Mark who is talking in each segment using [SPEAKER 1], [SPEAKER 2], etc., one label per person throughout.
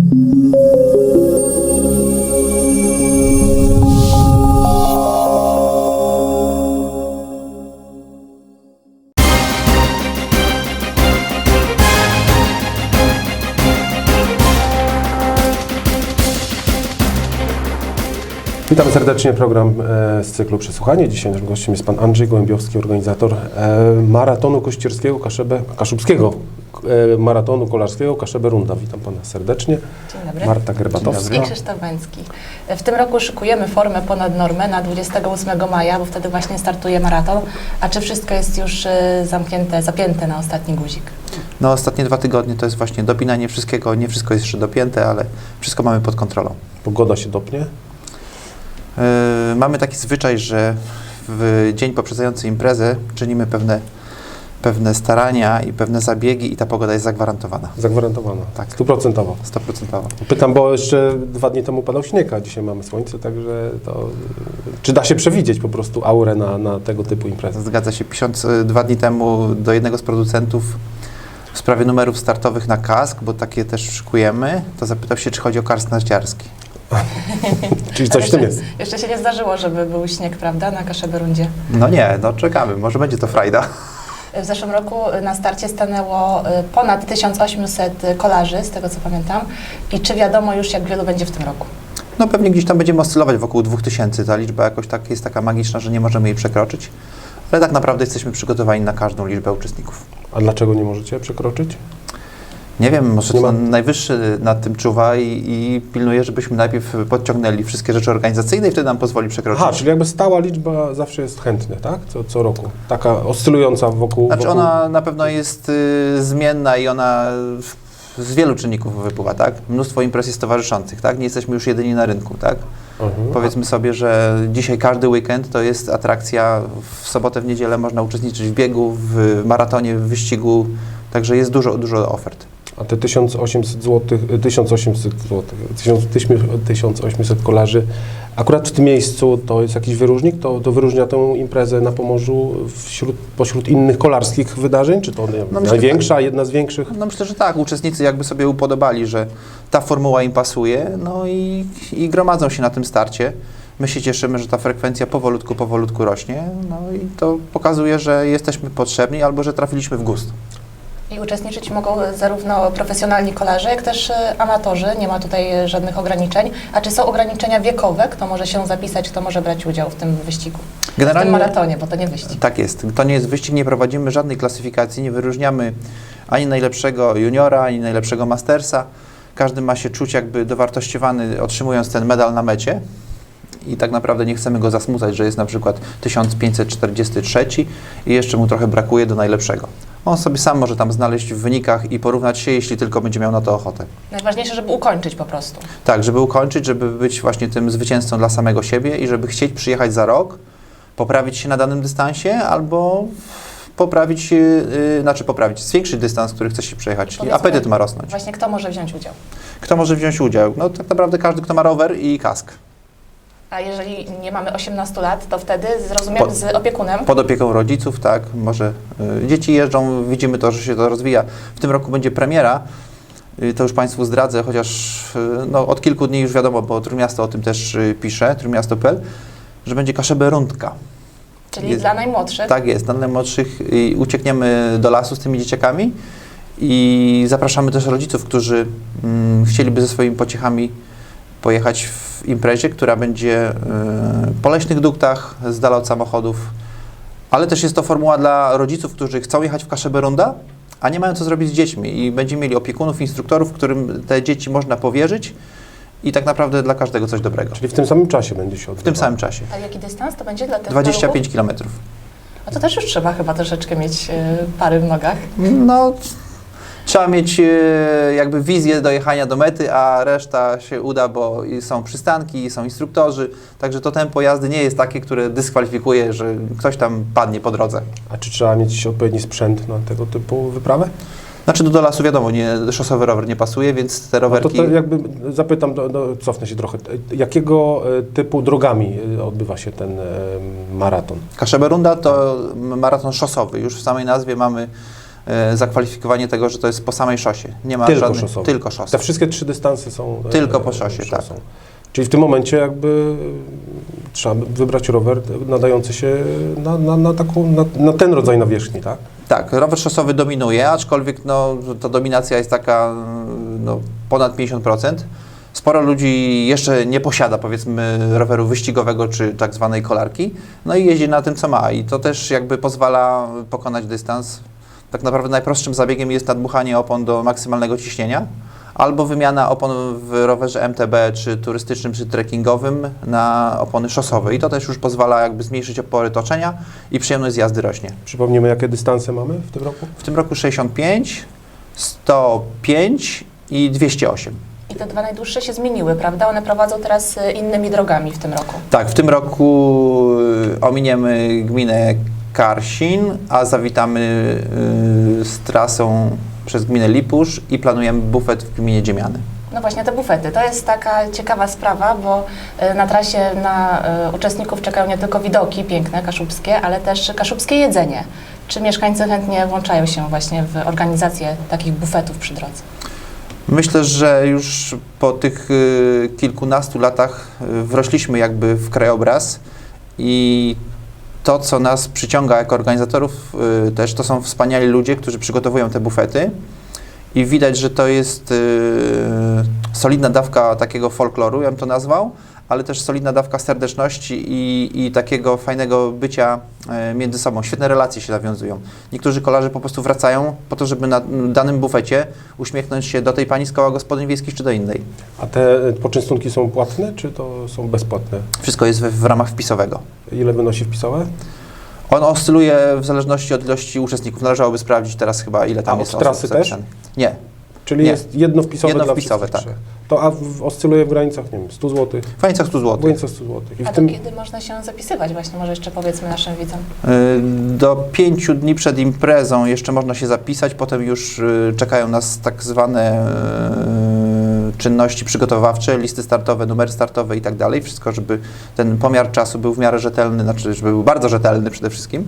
[SPEAKER 1] Witam serdecznie, program z cyklu Przesłuchanie. Dzisiaj naszym gościem jest pan Andrzej Gołębiowski, organizator maratonu kościerskiego, kaszubskiego maratonu kolarskiego Kaszebę-Runda. Witam pana serdecznie.
[SPEAKER 2] Dzień dobry.
[SPEAKER 1] Marta Gerbatowska.
[SPEAKER 2] I Krzysztof Węcki. W tym roku szykujemy formę ponad normę na 28 maja, bo wtedy właśnie startuje maraton. A czy wszystko jest już zamknięte, zapięte na ostatni guzik?
[SPEAKER 3] No, ostatnie 2 tygodnie to jest właśnie dopinanie wszystkiego. Nie wszystko jest jeszcze dopięte, ale wszystko mamy pod kontrolą.
[SPEAKER 1] Pogoda się dopnie?
[SPEAKER 3] Mamy taki zwyczaj, że w dzień poprzedzający imprezę czynimy pewne starania i pewne zabiegi i ta pogoda jest zagwarantowana.
[SPEAKER 1] Zagwarantowana,
[SPEAKER 3] Tak.
[SPEAKER 1] 100%.
[SPEAKER 3] 100%.
[SPEAKER 1] Pytam, bo jeszcze 2 dni temu padał śnieg, a dzisiaj mamy słońce, także to... Czy da się przewidzieć po prostu aurę na tego typu imprezy?
[SPEAKER 3] Zgadza się. Pisząc 2 dni temu do jednego z producentów w sprawie numerów startowych na kask, bo takie też szykujemy, to zapytał się, czy chodzi o karst narciarski.
[SPEAKER 1] Czyli coś w tym jest.
[SPEAKER 2] Jeszcze się nie zdarzyło, żeby był śnieg, prawda, na Kaszebę-Rundzie.
[SPEAKER 3] No nie, no czekamy. Może będzie to frajda.
[SPEAKER 2] W zeszłym roku na starcie stanęło ponad 1800 kolarzy, z tego co pamiętam. I czy wiadomo już, jak wielu będzie w tym roku?
[SPEAKER 3] No pewnie gdzieś tam będziemy oscylować wokół 2000. Ta liczba jakoś tak jest taka magiczna, że nie możemy jej przekroczyć. Ale tak naprawdę jesteśmy przygotowani na każdą liczbę uczestników.
[SPEAKER 1] A dlaczego nie możecie przekroczyć?
[SPEAKER 3] Nie wiem, może
[SPEAKER 1] Nie
[SPEAKER 3] to
[SPEAKER 1] ma-
[SPEAKER 3] najwyższy nad tym czuwa i pilnuje, żebyśmy najpierw podciągnęli wszystkie rzeczy organizacyjne i wtedy nam pozwoli przekroczyć.
[SPEAKER 1] Aha, czyli jakby stała liczba zawsze jest chętna, tak? Co roku. Taka oscylująca wokół...
[SPEAKER 3] Znaczy
[SPEAKER 1] wokół...
[SPEAKER 3] ona na pewno jest zmienna i ona z wielu czynników wypływa, tak? Mnóstwo imprez jest towarzyszących, tak? Nie jesteśmy już jedyni na rynku, tak? Powiedzmy sobie, że dzisiaj każdy weekend to jest atrakcja, w sobotę, w niedzielę można uczestniczyć w biegu, w maratonie, w wyścigu, także jest dużo ofert.
[SPEAKER 1] A te 1800 kolarzy, akurat w tym miejscu to jest jakiś wyróżnik? To wyróżnia tę imprezę na Pomorzu pośród innych kolarskich wydarzeń? Czy to nie wiem,
[SPEAKER 3] No myślę,
[SPEAKER 1] największa, jedna z większych?
[SPEAKER 3] No myślę, że tak. Uczestnicy jakby sobie upodobali, że ta formuła im pasuje, no i gromadzą się na tym starcie. My się cieszymy, że ta frekwencja powolutku rośnie, no i to pokazuje, że jesteśmy potrzebni albo że trafiliśmy w gust.
[SPEAKER 2] I uczestniczyć mogą zarówno profesjonalni kolarze, jak też amatorzy. Nie ma tutaj żadnych ograniczeń. A czy są ograniczenia wiekowe? Kto może się zapisać, kto może brać udział w tym wyścigu? W tym maratonie, bo to nie wyścig.
[SPEAKER 3] Tak jest. To nie jest wyścig, nie prowadzimy żadnej klasyfikacji, nie wyróżniamy ani najlepszego juniora, ani najlepszego mastersa. Każdy ma się czuć jakby dowartościowany, otrzymując ten medal na mecie. I tak naprawdę nie chcemy go zasmucać, że jest na przykład 1543 i jeszcze mu trochę brakuje do najlepszego. On sobie sam może tam znaleźć w wynikach i porównać się, jeśli tylko będzie miał na to ochotę.
[SPEAKER 2] Najważniejsze, żeby ukończyć po prostu.
[SPEAKER 3] Tak, żeby ukończyć, żeby być właśnie tym zwycięzcą dla samego siebie i żeby chcieć przyjechać za rok, poprawić się na danym dystansie albo zwiększyć dystans, który chce się przejechać, czyli
[SPEAKER 2] Powiedzmy,
[SPEAKER 3] apetyt ma rosnąć.
[SPEAKER 2] Właśnie kto może wziąć udział?
[SPEAKER 3] Kto może wziąć udział? No tak naprawdę każdy, kto ma rower i kask.
[SPEAKER 2] A jeżeli nie mamy 18 lat, to wtedy, zrozumiem, z opiekunem?
[SPEAKER 3] Pod opieką rodziców, tak, może dzieci jeżdżą, widzimy to, że się to rozwija. W tym roku będzie premiera, to już Państwu zdradzę, chociaż no, od kilku dni już wiadomo, bo Trójmiasto o tym też pisze, trójmiasto.pl, że będzie Kaszebę-Rundka.
[SPEAKER 2] Czyli dla najmłodszych?
[SPEAKER 3] Tak jest, dla najmłodszych uciekniemy do lasu z tymi dzieciakami i zapraszamy też rodziców, którzy chcieliby ze swoimi pociechami pojechać w imprezie, która będzie po leśnych duktach, z dala od samochodów, ale też jest to formuła dla rodziców, którzy chcą jechać w Kaszebę-Runda, a nie mają co zrobić z dziećmi i będziemy mieli opiekunów, instruktorów, którym te dzieci można powierzyć i tak naprawdę dla każdego coś dobrego.
[SPEAKER 1] Czyli w tym samym czasie będzie się odbywało?
[SPEAKER 3] W tym samym czasie.
[SPEAKER 2] A jaki dystans to będzie dla tych
[SPEAKER 3] 25 km.
[SPEAKER 2] A to też już trzeba chyba troszeczkę mieć pary w nogach.
[SPEAKER 3] No, trzeba mieć jakby wizję dojechania do mety, a reszta się uda, bo są przystanki, są instruktorzy, także to tempo jazdy nie jest takie, które dyskwalifikuje, że ktoś tam padnie po drodze.
[SPEAKER 1] A czy trzeba mieć odpowiedni sprzęt na tego typu wyprawę?
[SPEAKER 3] Znaczy do lasu wiadomo, szosowy rower nie pasuje, więc te rowerki...
[SPEAKER 1] No to jakby zapytam, cofnę się trochę. Jakiego typu drogami odbywa się ten maraton?
[SPEAKER 3] Kaszebę-Runda to maraton szosowy. Już w samej nazwie mamy zakwalifikowanie tego, że to jest po samej szosie. Nie ma
[SPEAKER 1] Tylko
[SPEAKER 3] żadnych...
[SPEAKER 1] szosowe.
[SPEAKER 3] Tylko szosy.
[SPEAKER 1] Te wszystkie 3 dystanse są
[SPEAKER 3] Tylko po szosie, tak.
[SPEAKER 1] szosą. Czyli w tym momencie jakby trzeba wybrać rower nadający się na ten rodzaj nawierzchni, tak?
[SPEAKER 3] Tak, rower szosowy dominuje, aczkolwiek no, ta dominacja jest taka no, ponad 50%. Sporo ludzi jeszcze nie posiada, powiedzmy, roweru wyścigowego czy tak zwanej kolarki, no i jeździ na tym, co ma i to też jakby pozwala pokonać dystans. Tak naprawdę najprostszym zabiegiem jest nadmuchanie opon do maksymalnego ciśnienia albo wymiana opon w rowerze MTB, czy turystycznym, czy trekkingowym na opony szosowe i to też już pozwala jakby zmniejszyć opory toczenia i przyjemność z jazdy rośnie.
[SPEAKER 1] Przypomnijmy, jakie dystanse mamy w tym roku?
[SPEAKER 3] W tym roku 65, 105 i 208.
[SPEAKER 2] I te 2 najdłuższe się zmieniły, prawda? One prowadzą teraz innymi drogami w tym roku.
[SPEAKER 3] Tak, w tym roku ominiemy gminę Karsin, a zawitamy z trasą przez gminę Lipusz i planujemy bufet w gminie Dziemiany.
[SPEAKER 2] No właśnie, te bufety. To jest taka ciekawa sprawa, bo na trasie na uczestników czekają nie tylko widoki piękne, kaszubskie, ale też kaszubskie jedzenie. Czy mieszkańcy chętnie włączają się właśnie w organizację takich bufetów przy drodze?
[SPEAKER 3] Myślę, że już po tych kilkunastu latach wrośliśmy jakby w krajobraz i to, co nas przyciąga jako organizatorów też, to są wspaniali ludzie, którzy przygotowują te bufety i widać, że to jest solidna dawka takiego folkloru, ja bym to nazwał, ale też solidna dawka serdeczności i takiego fajnego bycia między sobą. Świetne relacje się nawiązują. Niektórzy kolarze po prostu wracają po to, żeby na danym bufecie uśmiechnąć się do tej pani z koła gospodyń wiejskich czy do innej.
[SPEAKER 1] A te poczęstunki są płatne, czy to są bezpłatne?
[SPEAKER 3] Wszystko jest w ramach wpisowego.
[SPEAKER 1] Ile wynosi wpisowe?
[SPEAKER 3] On oscyluje w zależności od ilości uczestników. Należałoby sprawdzić teraz chyba, ile tam
[SPEAKER 1] A
[SPEAKER 3] jest
[SPEAKER 1] od trasy
[SPEAKER 3] osób zapisanych. Nie.
[SPEAKER 1] Czyli
[SPEAKER 3] Nie.
[SPEAKER 1] jest jedno wpisowe
[SPEAKER 3] Jedno
[SPEAKER 1] dla
[SPEAKER 3] wpisowe,
[SPEAKER 1] wszystkich
[SPEAKER 3] tak.
[SPEAKER 1] 3. To oscyluje w granicach, nie wiem, 100 zł?
[SPEAKER 3] W granicach 100
[SPEAKER 1] W
[SPEAKER 3] zł.
[SPEAKER 1] granicach 100 zł. I
[SPEAKER 2] A
[SPEAKER 1] w tym...
[SPEAKER 2] to kiedy można się zapisywać właśnie? Może jeszcze powiedzmy naszym widzom.
[SPEAKER 3] Do 5 dni przed imprezą jeszcze można się zapisać, potem już czekają nas tak zwane czynności przygotowawcze, listy startowe, numery startowe i tak dalej. Wszystko, żeby ten pomiar czasu był w miarę rzetelny, znaczy, żeby był bardzo rzetelny przede wszystkim.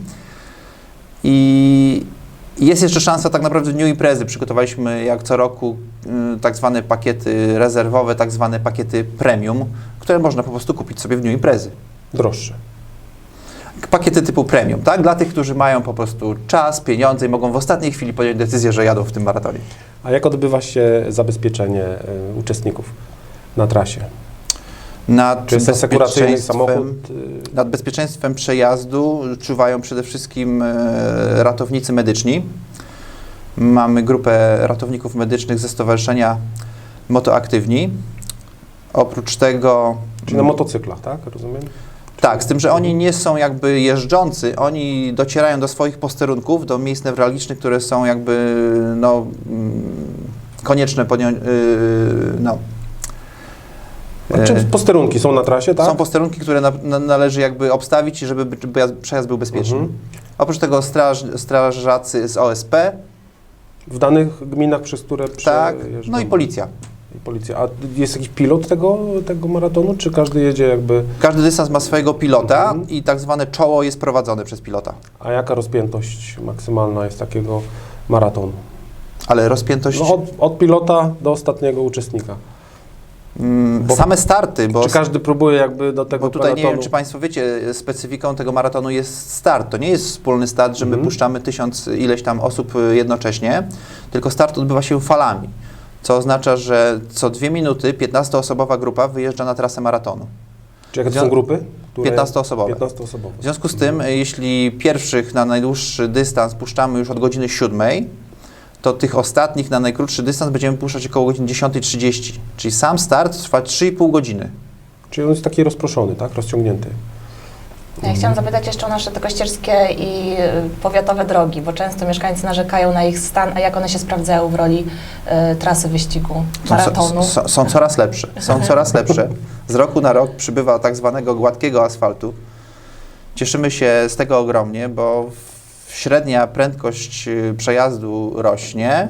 [SPEAKER 3] I jest jeszcze szansa tak naprawdę w dniu imprezy. Przygotowaliśmy jak co roku tak zwane pakiety rezerwowe, tak zwane pakiety premium, które można po prostu kupić sobie w dniu imprezy.
[SPEAKER 1] Droższe.
[SPEAKER 3] Pakiety typu premium, tak? Dla tych, którzy mają po prostu czas, pieniądze i mogą w ostatniej chwili podjąć decyzję, że jadą w tym maratonie.
[SPEAKER 1] A jak odbywa się zabezpieczenie uczestników na trasie?
[SPEAKER 3] Nad
[SPEAKER 1] Czy jest asekuracyjny
[SPEAKER 3] bezpieczeństwem-
[SPEAKER 1] samochód?
[SPEAKER 3] Nad bezpieczeństwem przejazdu czuwają przede wszystkim ratownicy medyczni. Mamy grupę ratowników medycznych ze Stowarzyszenia Motoaktywni. Oprócz tego...
[SPEAKER 1] Czyli na motocyklach, tak? Rozumiem?
[SPEAKER 3] Tak, z tym, że oni nie są jakby jeżdżący, oni docierają do swoich posterunków, do miejsc newralgicznych, które są jakby no, konieczne podjąć, no.
[SPEAKER 1] A czy posterunki są na trasie, tak?
[SPEAKER 3] Są posterunki, które należy jakby obstawić, żeby przejazd był bezpieczny.
[SPEAKER 1] Mhm.
[SPEAKER 3] Oprócz tego strażacy z OSP,
[SPEAKER 1] W danych gminach, przez które
[SPEAKER 3] tak,
[SPEAKER 1] przejeżdżą.
[SPEAKER 3] no i policja.
[SPEAKER 1] I policja. A jest jakiś pilot tego maratonu, czy każdy jedzie jakby...
[SPEAKER 3] Każdy dystans ma swojego pilota
[SPEAKER 1] Mhm.
[SPEAKER 3] i tak zwane czoło jest prowadzone przez pilota.
[SPEAKER 1] A jaka rozpiętość maksymalna jest takiego maratonu?
[SPEAKER 3] Ale rozpiętość...
[SPEAKER 1] No od pilota do ostatniego uczestnika. bo-
[SPEAKER 3] same starty, bo...
[SPEAKER 1] Czy każdy próbuje jakby do tego
[SPEAKER 3] Bo tutaj nie
[SPEAKER 1] peletonu?
[SPEAKER 3] wiem, czy Państwo wiecie, specyfiką tego maratonu jest start. To nie jest wspólny start, że my puszczamy 1000 ileś tam osób jednocześnie, tylko start odbywa się falami, co oznacza, że co 2 minuty 15-osobowa grupa wyjeżdża na trasę maratonu.
[SPEAKER 1] Czy jakie to są grupy?
[SPEAKER 3] 15-osobowe.
[SPEAKER 1] 15-osobowe.
[SPEAKER 3] W związku z tym, jeśli pierwszych na najdłuższy dystans puszczamy już od godziny 7, to tych ostatnich na najkrótszy dystans będziemy puszczać około godziny 10:30. Czyli sam start trwa 3,5 godziny.
[SPEAKER 1] Czyli on jest taki rozproszony, tak? Rozciągnięty.
[SPEAKER 2] Ja chciałam zapytać jeszcze o nasze te kościerskie i powiatowe drogi, bo często mieszkańcy narzekają na ich stan, a jak one się sprawdzają w roli trasy wyścigu, maratonu?
[SPEAKER 3] Są coraz lepsze. Są coraz lepsze. Z roku na rok przybywa tak zwanego gładkiego asfaltu. Cieszymy się z tego ogromnie, bo średnia prędkość przejazdu rośnie.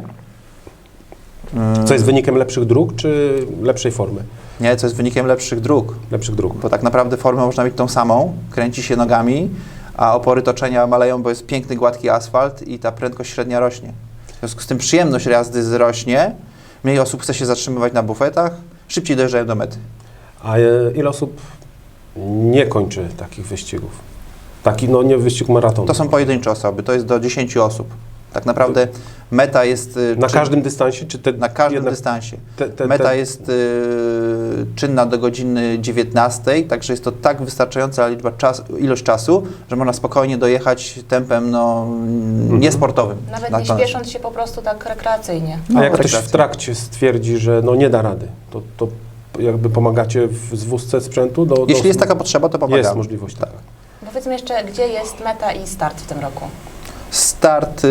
[SPEAKER 1] Co jest wynikiem lepszych dróg, czy lepszej formy?
[SPEAKER 3] Nie, co jest wynikiem lepszych dróg.
[SPEAKER 1] Lepszych dróg.
[SPEAKER 3] Bo tak naprawdę formę można mieć tą samą, kręci się nogami, a opory toczenia maleją, bo jest piękny, gładki asfalt i ta prędkość średnia rośnie. W związku z tym przyjemność jazdy wzrośnie, mniej osób chce się zatrzymywać na bufetach, szybciej dojeżdżają do mety.
[SPEAKER 1] A ile osób nie kończy takich wyścigów? Taki, no nie wyścig maratonu.
[SPEAKER 3] To są pojedyncze osoby, to jest do 10 osób. Tak naprawdę meta jest...
[SPEAKER 1] Na każdym dystansie? Czy
[SPEAKER 3] na każdym dystansie. Meta jest czynna do godziny 19, także jest to tak wystarczająca ilość czasu, że można spokojnie dojechać tempem niesportowym.
[SPEAKER 2] Nawet nie śpiesząc się po prostu tak rekreacyjnie.
[SPEAKER 1] A jak ktoś
[SPEAKER 3] rekreacyjnie.
[SPEAKER 1] w trakcie stwierdzi, że no nie da rady, to jakby pomagacie w zwózce sprzętu?
[SPEAKER 3] Jeśli jest taka potrzeba, to pomagamy.
[SPEAKER 1] Jest możliwość taka.
[SPEAKER 2] Powiedzmy jeszcze, gdzie jest meta i start w tym roku?
[SPEAKER 3] Start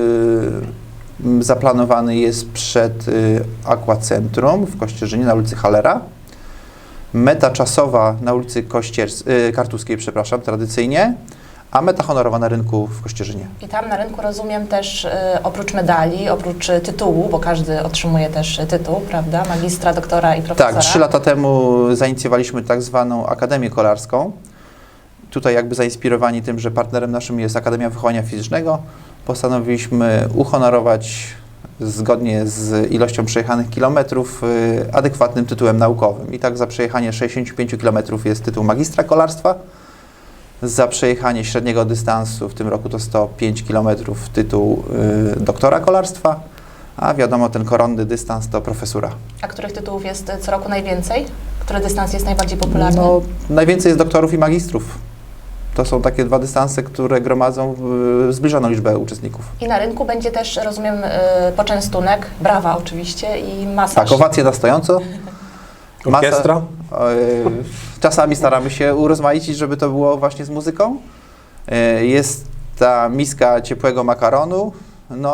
[SPEAKER 3] zaplanowany jest przed Aquacentrum w Kościerzynie na ulicy Hallera. Meta czasowa na ulicy Kartuskiej, przepraszam, tradycyjnie, a meta honorowa na rynku w Kościerzynie.
[SPEAKER 2] I tam na rynku rozumiem też oprócz medali, oprócz tytułu, bo każdy otrzymuje też tytuł, prawda? Magistra, doktora i profesora.
[SPEAKER 3] Tak, 3 lata temu zainicjowaliśmy tak zwaną Akademię Kolarską. Tutaj jakby zainspirowani tym, że partnerem naszym jest Akademia Wychowania Fizycznego, postanowiliśmy uhonorować zgodnie z ilością przejechanych kilometrów adekwatnym tytułem naukowym. I tak za przejechanie 65 km jest tytuł magistra kolarstwa, za przejechanie średniego dystansu, w tym roku to 105 km, tytuł doktora kolarstwa, a wiadomo, ten koronny dystans to profesura.
[SPEAKER 2] A których tytułów jest co roku najwięcej? Który dystans jest najbardziej popularny?
[SPEAKER 3] No, najwięcej jest doktorów i magistrów. To są takie 2 dystanse, które gromadzą zbliżoną liczbę uczestników.
[SPEAKER 2] I na rynku będzie też, rozumiem, poczęstunek, brawa oczywiście i masaż.
[SPEAKER 3] Tak, owacje na stojąco.
[SPEAKER 1] Orkiestra?
[SPEAKER 3] Czasami staramy się urozmaicić, żeby to było właśnie z muzyką. Jest ta miska ciepłego makaronu, no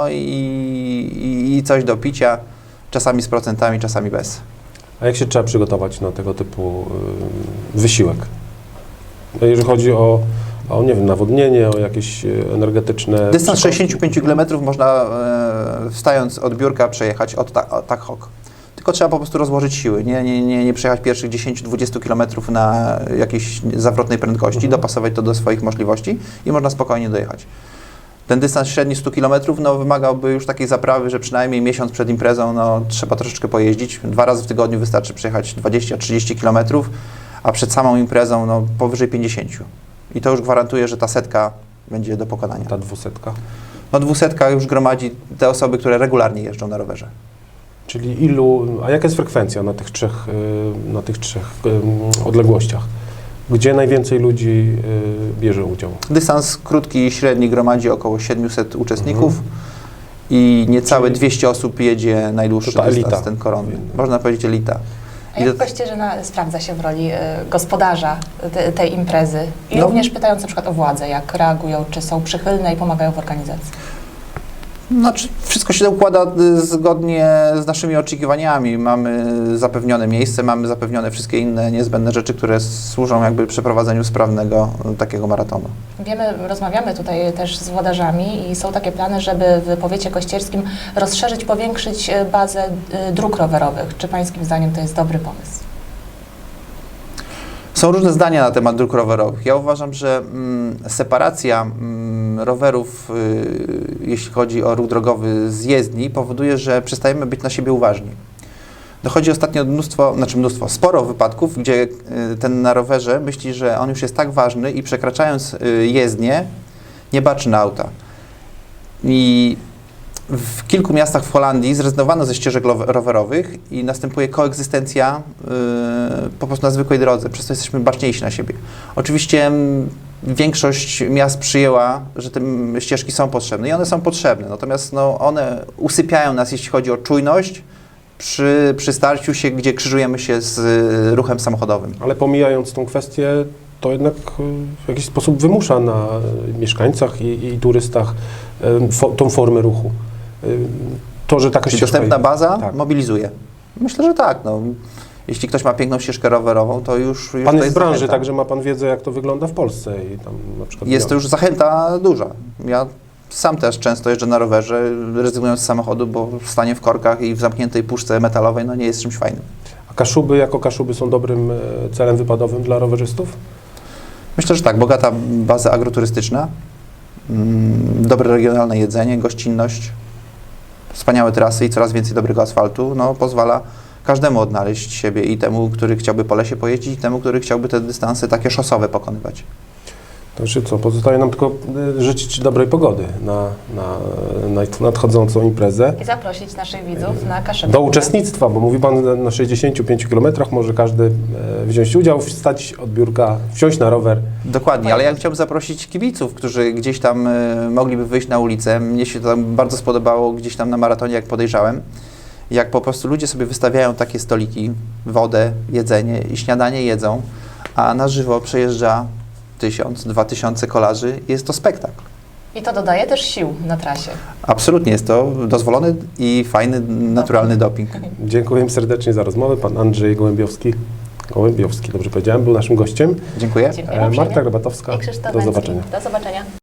[SPEAKER 3] i coś do picia, czasami z procentami, czasami bez.
[SPEAKER 1] A jak się trzeba przygotować na tego typu wysiłek? Jeżeli chodzi o nie wiem, nawodnienie, o jakieś energetyczne...
[SPEAKER 3] Dystans 65 km można wstając od biurka przejechać tak hok. Tylko trzeba po prostu rozłożyć siły, nie przejechać pierwszych 10-20 km na jakiejś zawrotnej prędkości, dopasować to do swoich możliwości i można spokojnie dojechać. Ten dystans średni 100 km wymagałby już takiej zaprawy, że przynajmniej miesiąc przed imprezą trzeba troszeczkę pojeździć. 2 razy w tygodniu wystarczy przejechać 20-30 km, a przed samą imprezą powyżej 50. I to już gwarantuje, że ta setka będzie do pokonania.
[SPEAKER 1] Ta 200?
[SPEAKER 3] 200 już gromadzi te osoby, które regularnie jeżdżą na rowerze.
[SPEAKER 1] Czyli a jaka jest frekwencja na tych trzech odległościach? Gdzie najwięcej ludzi bierze udział?
[SPEAKER 3] Dystans krótki i średni gromadzi około 700 uczestników i niecałe 200 osób jedzie najdłuższy dystans,
[SPEAKER 1] elita.
[SPEAKER 3] ten koronny. Można powiedzieć elita.
[SPEAKER 2] A jak Kościerzyna sprawdza się w roli gospodarza tej imprezy? I również pytając na przykład o władzę, jak reagują, czy są przychylne i pomagają w organizacji?
[SPEAKER 3] Znaczy, wszystko się układa zgodnie z naszymi oczekiwaniami. Mamy zapewnione miejsce, mamy zapewnione wszystkie inne niezbędne rzeczy, które służą jakby przeprowadzeniu sprawnego takiego maratonu.
[SPEAKER 2] Wiemy, rozmawiamy tutaj też z włodarzami i są takie plany, żeby w powiecie kościerskim rozszerzyć, powiększyć bazę dróg rowerowych. Czy pańskim zdaniem to jest dobry pomysł?
[SPEAKER 3] Są różne zdania na temat dróg rowerowych. Ja uważam, że separacja rowerów, jeśli chodzi o ruch drogowy z jezdni, powoduje, że przestajemy być na siebie uważni. Dochodzi ostatnio sporo wypadków, gdzie ten na rowerze myśli, że on już jest tak ważny i przekraczając jezdnię, nie baczy na auta. I w kilku miastach w Holandii zrezygnowano ze ścieżek rowerowych i następuje koegzystencja po prostu na zwykłej drodze, przez to jesteśmy baczniejsi na siebie. Oczywiście większość miast przyjęła, że te ścieżki są potrzebne i one są potrzebne, natomiast one usypiają nas, jeśli chodzi o czujność przy starciu się, gdzie krzyżujemy się z ruchem samochodowym.
[SPEAKER 1] Ale pomijając tą kwestię, to jednak w jakiś sposób wymusza na mieszkańcach i turystach tą formę ruchu. To, że taka
[SPEAKER 3] Czyli
[SPEAKER 1] ścieżka
[SPEAKER 3] dostępna baza
[SPEAKER 1] tak.
[SPEAKER 3] mobilizuje. Myślę, że tak. Jeśli ktoś ma piękną ścieżkę rowerową, to już
[SPEAKER 1] Pan
[SPEAKER 3] to
[SPEAKER 1] jest z branży,
[SPEAKER 3] zachęta.
[SPEAKER 1] także ma Pan wiedzę, jak to wygląda w Polsce. I tam na przykład
[SPEAKER 3] Jest to już zachęta duża. Ja sam też często jeżdżę na rowerze, rezygnując z samochodu, bo stanie w korkach i w zamkniętej puszce metalowej nie jest czymś fajnym.
[SPEAKER 1] A Kaszuby jako Kaszuby są dobrym celem wypadowym dla rowerzystów?
[SPEAKER 3] Myślę, że tak, bogata baza agroturystyczna, dobre regionalne jedzenie, gościnność, wspaniałe trasy i coraz więcej dobrego asfaltu, no, pozwala każdemu odnaleźć siebie i temu, który chciałby po lesie pojeździć, i temu, który chciałby te dystanse takie szosowe pokonywać.
[SPEAKER 1] To znaczy co, pozostaje nam tylko życzyć dobrej pogody na nadchodzącą imprezę.
[SPEAKER 2] I zaprosić naszych widzów na Kaszebę.
[SPEAKER 1] Do uczestnictwa, bo mówi Pan na 65 km może każdy wziąć udział, wstać od biurka, wsiąść na rower.
[SPEAKER 3] Dokładnie, ale ja chciałbym zaprosić kibiców, którzy gdzieś tam mogliby wyjść na ulicę. Mnie się to tam bardzo spodobało gdzieś tam na maratonie, jak podejrzałem, jak po prostu ludzie sobie wystawiają takie stoliki, wodę, jedzenie i śniadanie jedzą, a na żywo przejeżdża 1000-2000 kolarzy i jest to spektakl.
[SPEAKER 2] I to dodaje też sił na trasie.
[SPEAKER 3] Absolutnie jest to dozwolony i fajny, naturalny doping.
[SPEAKER 1] Dziękuję serdecznie za rozmowę. Pan Andrzej Gołębiowski, dobrze powiedziałem, był naszym gościem.
[SPEAKER 3] Dziękuję.
[SPEAKER 2] Dziękuję
[SPEAKER 1] Marta
[SPEAKER 2] uprzejmie.
[SPEAKER 1] Grabatowska,
[SPEAKER 2] I Krzysztof
[SPEAKER 1] do
[SPEAKER 2] Węcki.
[SPEAKER 1] zobaczenia.
[SPEAKER 2] Do zobaczenia.